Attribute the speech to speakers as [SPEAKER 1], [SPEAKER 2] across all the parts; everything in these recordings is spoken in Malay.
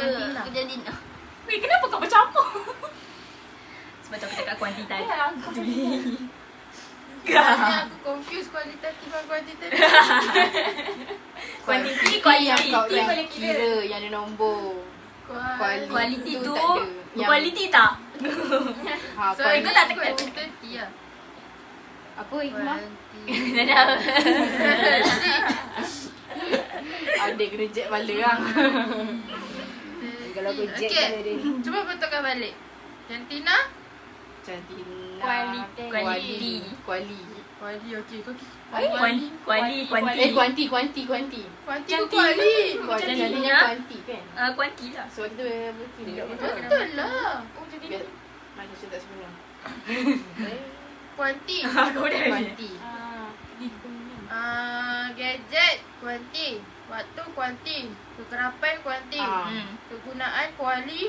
[SPEAKER 1] jantina.
[SPEAKER 2] Weh, kenapa kau bercampur?
[SPEAKER 1] Sebab tu aku cakap kuantitas.
[SPEAKER 3] Sebenarnya aku confuse kualitatif dan kuantitatif.
[SPEAKER 1] Kuantiti,
[SPEAKER 4] yang kau
[SPEAKER 1] kualiti
[SPEAKER 4] yang
[SPEAKER 1] boleh
[SPEAKER 4] kira yang ada nombor.
[SPEAKER 1] Kualiti tu
[SPEAKER 4] tak ada.
[SPEAKER 1] berkualiti tak?
[SPEAKER 4] Ha,
[SPEAKER 1] So, kau tak tekan.
[SPEAKER 3] Kuantiti lah.
[SPEAKER 4] apa Hikmah?
[SPEAKER 1] Dah dah.
[SPEAKER 4] Adik kena jet bala lah. Kalau aku jet
[SPEAKER 3] Okay,
[SPEAKER 4] bala dia.
[SPEAKER 3] cuba betulkan balik. Jantina,
[SPEAKER 4] Cantina.
[SPEAKER 1] Kualiti.
[SPEAKER 4] Kuali.
[SPEAKER 3] kuali, okey. Kau
[SPEAKER 1] Kuanti.
[SPEAKER 4] Kuanti.
[SPEAKER 3] kuanti
[SPEAKER 1] Cantik.
[SPEAKER 3] ke kuali?
[SPEAKER 4] Cantinya kuanti kan?
[SPEAKER 1] Kuanti lah.
[SPEAKER 4] Sebab kita berkira.
[SPEAKER 3] Betul lah.
[SPEAKER 4] Biar manusia tak sempurna.
[SPEAKER 3] Kuanti.
[SPEAKER 1] Aku dah.
[SPEAKER 4] Kuanti.
[SPEAKER 3] Gadget kuanti, waktu kuanti, kekerapan kuanti, kegunaan kuali.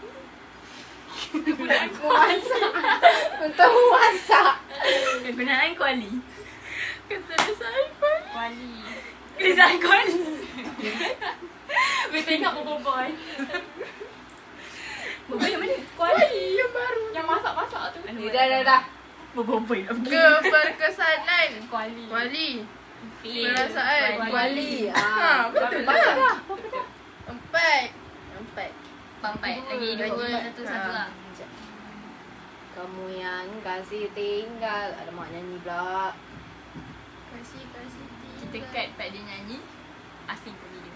[SPEAKER 4] Untuk memasak.
[SPEAKER 1] Kegunaan kuali.
[SPEAKER 3] Keselesaan kuali.
[SPEAKER 1] Kegunaan kuali.
[SPEAKER 2] Weh, tengok boboiboy.
[SPEAKER 1] Boboiboy yang mana?
[SPEAKER 3] Kuali yang baru.
[SPEAKER 2] Yang masak-masak tu.
[SPEAKER 4] Dah.
[SPEAKER 1] Boboiboy lah.
[SPEAKER 3] Keberkesanan
[SPEAKER 2] Kuali.
[SPEAKER 3] kuali,
[SPEAKER 1] Feel.
[SPEAKER 3] perasaan
[SPEAKER 4] Kuali.
[SPEAKER 3] betul
[SPEAKER 4] Banyak
[SPEAKER 3] lah.
[SPEAKER 4] dah.
[SPEAKER 3] Empat.
[SPEAKER 1] Pampai. Lagi dua, satu lah.
[SPEAKER 4] Kamu yang kasih tinggal. Alamak, nyanyi pula.
[SPEAKER 3] Kasih
[SPEAKER 1] Kita cut part dia nyanyi. Asing pun video.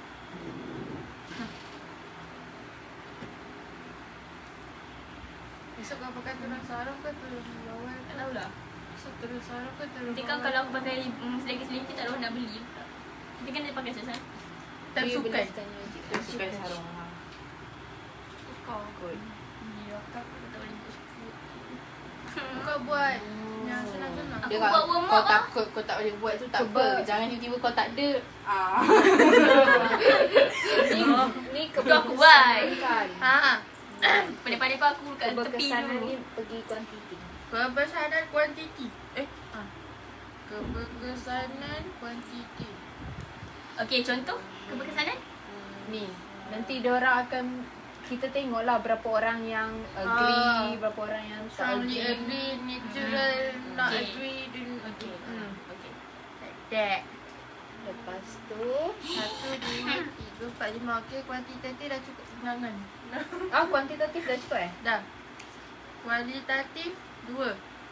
[SPEAKER 3] Besok kau pakai tudung sarung ke tudung bawal?
[SPEAKER 1] Tak tahulah.
[SPEAKER 3] Besok tudung sarung ke tudung
[SPEAKER 1] Nanti kan kalau aku pakai selagi-selagi tak ada orang nak beli. Nanti kan dia pakai sesuatu.
[SPEAKER 3] tak sukan.
[SPEAKER 4] Tak sukan sarung.
[SPEAKER 3] Kau
[SPEAKER 4] Kot.
[SPEAKER 1] Ya, aku tak boleh buat suku.
[SPEAKER 3] Kau buat yang senang-senang.
[SPEAKER 1] Aku
[SPEAKER 4] Dia
[SPEAKER 1] buat
[SPEAKER 4] kau
[SPEAKER 1] warm up lah.
[SPEAKER 4] takut kau tak boleh buat tu tak apa. Jangan tiba-tiba kau tak ada. Ni
[SPEAKER 1] Tu aku buat.
[SPEAKER 4] Kan.
[SPEAKER 1] Pandai-pandai kau aku kat tepi
[SPEAKER 4] Keberkesanan
[SPEAKER 1] dulu.
[SPEAKER 4] ni pergi kuantiti.
[SPEAKER 3] Keberkesanan kuantiti. Keberkesanan kuantiti.
[SPEAKER 1] Okey, contoh keberkesanan.
[SPEAKER 4] Ni, nanti diorang akan kita tengoklah berapa orang yang agree, berapa orang yang tak
[SPEAKER 3] Strongly
[SPEAKER 4] agree.
[SPEAKER 3] agree, natural, not
[SPEAKER 1] Okay.
[SPEAKER 3] agree, then
[SPEAKER 1] Okey.
[SPEAKER 3] okay. Like that.
[SPEAKER 4] Lepas tu
[SPEAKER 3] 1, 2, 3, 4, 5. Okay, kuantitatif dah cukup bilangan.
[SPEAKER 4] kuantitatif dah cukup
[SPEAKER 3] Dah. Kualitatif 2.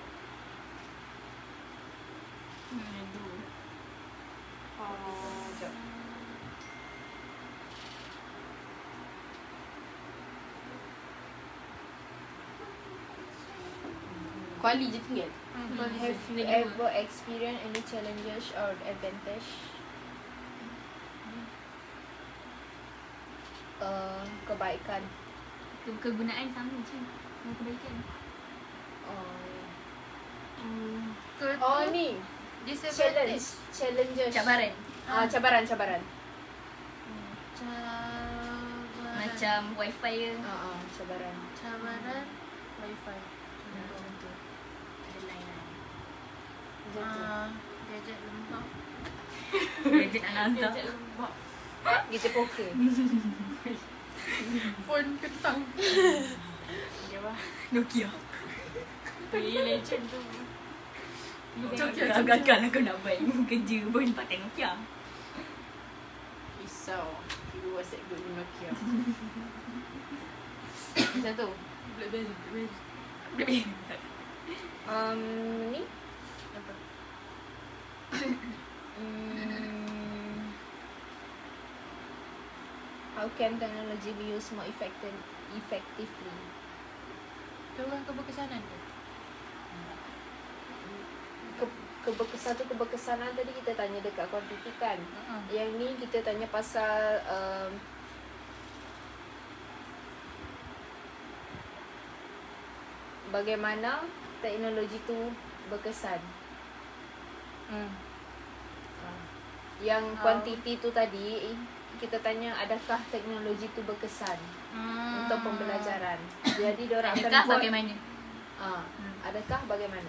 [SPEAKER 4] Sekejap. Kuali je tinggal. Have you ever experienced any challenges or advantage? Kebaikan.
[SPEAKER 1] Kegunaan sama je. Kebaikan.
[SPEAKER 4] Ni
[SPEAKER 3] Disadvantage.
[SPEAKER 4] challenges.
[SPEAKER 1] Cabaran.
[SPEAKER 4] Cabaran.
[SPEAKER 3] Cabaran.
[SPEAKER 1] Macam wifi ke.
[SPEAKER 4] Cabaran.
[SPEAKER 3] Cabaran. Wifi.
[SPEAKER 1] Contoh. Ada line lah.
[SPEAKER 3] Gadget lembab.
[SPEAKER 1] Gadget anak hantar.
[SPEAKER 4] Gadget poker.
[SPEAKER 3] Phone kentang.
[SPEAKER 1] Nokia.
[SPEAKER 2] Weh, legend tu.
[SPEAKER 1] Agak-agak aku nak buat kerja pun pakai Nokia.
[SPEAKER 4] Risau. Dulu WhatsApp group di Nokia. Macam tu. Ni
[SPEAKER 3] Apa?
[SPEAKER 4] How can technology be used more effectively?
[SPEAKER 3] Orang keberkesanan tu.
[SPEAKER 4] Keberkesanan tadi kita tanya dekat kuantiti kan. Yang ni kita tanya pasal bagaimana teknologi tu berkesan. Yang kuantiti tu tadi kita tanya adakah teknologi tu berkesan untuk pembelajaran. Jadi diorang akan
[SPEAKER 1] Adakah
[SPEAKER 4] buat
[SPEAKER 1] bagaimana?
[SPEAKER 4] adakah bagaimana?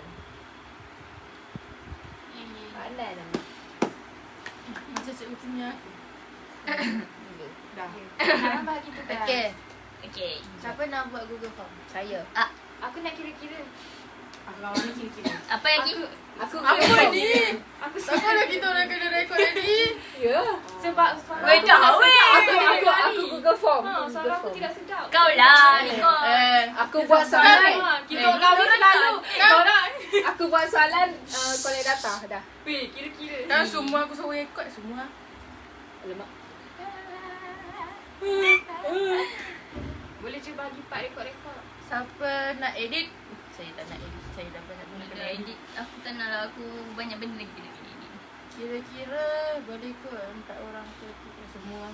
[SPEAKER 4] Pandai nama.
[SPEAKER 3] Macam cikgu punya aku.
[SPEAKER 4] Dah.
[SPEAKER 2] Sekarang bagi tu kan.
[SPEAKER 3] Okay.
[SPEAKER 1] Okay.
[SPEAKER 3] Siapa nak buat Google Form?
[SPEAKER 4] Saya.
[SPEAKER 2] Aku nak kira-kira.
[SPEAKER 5] Kalau ni kira-kira.
[SPEAKER 1] Apa lagi?
[SPEAKER 4] Aku
[SPEAKER 3] Apa ni?
[SPEAKER 2] Aku
[SPEAKER 3] Takkan lah kita orang kena rekod lagi.
[SPEAKER 4] Ya.
[SPEAKER 2] Sebab
[SPEAKER 1] Weh dah weh.
[SPEAKER 4] Aku Google Form.
[SPEAKER 2] suara aku tidak sedap.
[SPEAKER 1] Kau lah Nicole.
[SPEAKER 4] Aku buat soalan.
[SPEAKER 2] Kita kau ni selalu. Kau orang.
[SPEAKER 4] Aku buat soalan collect data dah.
[SPEAKER 2] Weh, kira-kira.
[SPEAKER 3] Dah semua aku suruh rekod semua.
[SPEAKER 4] Alamak.
[SPEAKER 2] Boleh cuba bagi part rekod-rekod.
[SPEAKER 3] Siapa nak edit? Saya tak nak edit. Saya dah banyak benda
[SPEAKER 1] Nak
[SPEAKER 3] kena edit.
[SPEAKER 1] edit. Aku tak nak lah. Aku banyak benda lagi kena edit.
[SPEAKER 3] Kira-kira boleh kot 4 orang ke 3 semua.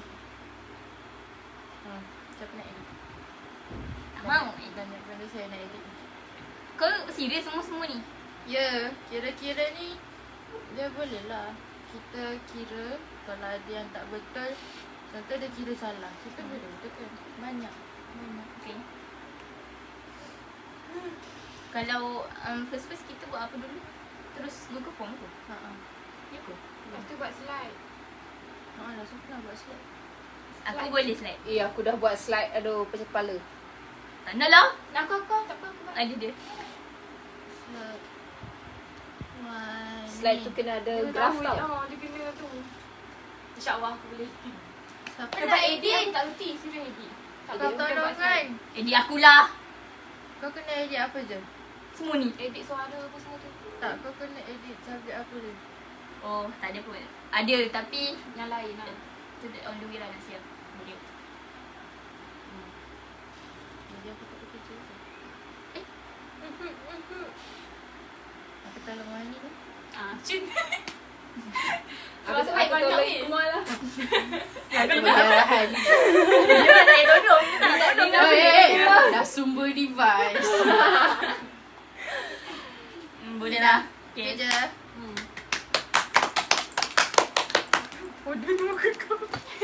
[SPEAKER 3] Siapa nak edit?
[SPEAKER 1] Tak mau.
[SPEAKER 3] Banyak benda saya nak edit.
[SPEAKER 1] Kau serius semua ni?
[SPEAKER 3] Ya, kira-kira ni dia boleh lah. Kita kira kalau ada yang tak betul, contoh dia kira salah, kita boleh betulkan. Banyak.
[SPEAKER 1] Okay. Kalau first kita buat apa dulu? Terus Google Form tu?
[SPEAKER 3] Ha.
[SPEAKER 1] Ya ke?
[SPEAKER 2] Lepas tu buat slide.
[SPEAKER 3] Lah, siapa nak buat slide?
[SPEAKER 1] Aku boleh slide.
[SPEAKER 4] Aku dah buat slide. Aduh, pecah kepala.
[SPEAKER 1] Tak nak lah.
[SPEAKER 2] Nak kau tak apa aku buat.
[SPEAKER 1] Ada dia.
[SPEAKER 3] Slide. Wah,
[SPEAKER 4] Slide
[SPEAKER 3] ni.
[SPEAKER 4] tu kena ada
[SPEAKER 2] Dia
[SPEAKER 4] graf
[SPEAKER 2] tahu,
[SPEAKER 4] tau.
[SPEAKER 2] dia kena tu. InsyaAllah aku boleh.
[SPEAKER 3] Siapa
[SPEAKER 2] Sebab
[SPEAKER 3] nak
[SPEAKER 2] edit
[SPEAKER 3] edit?
[SPEAKER 2] aku tak reti. Serius edit. Tak
[SPEAKER 3] Kau
[SPEAKER 2] boleh, bukan buat
[SPEAKER 3] tolong
[SPEAKER 2] slide.
[SPEAKER 3] kan?
[SPEAKER 1] Edit akulah.
[SPEAKER 3] Kau kena edit apa je?
[SPEAKER 1] Semua ni.
[SPEAKER 2] Edit suara apa semua tu.
[SPEAKER 3] Tak, kau kena edit subjek apa je?
[SPEAKER 1] Oh, tak ada pun. Ada tapi
[SPEAKER 2] Yang lain lah.
[SPEAKER 1] tu on the way lah nak siap. Boleh.
[SPEAKER 3] Jadi aku tak kerja je. Aku tolong Wani ni.
[SPEAKER 2] Cun.
[SPEAKER 4] Aku
[SPEAKER 2] Sebab banyak
[SPEAKER 4] tolong
[SPEAKER 2] ni.
[SPEAKER 4] Ikmal lah.
[SPEAKER 3] Kemarahan.
[SPEAKER 1] Dia tak payah tolong. Tak tolong.
[SPEAKER 3] Dah sumber device.
[SPEAKER 1] Boleh lah.
[SPEAKER 3] Okay
[SPEAKER 1] Okay.
[SPEAKER 3] je.
[SPEAKER 2] Bodoh tu muka kau.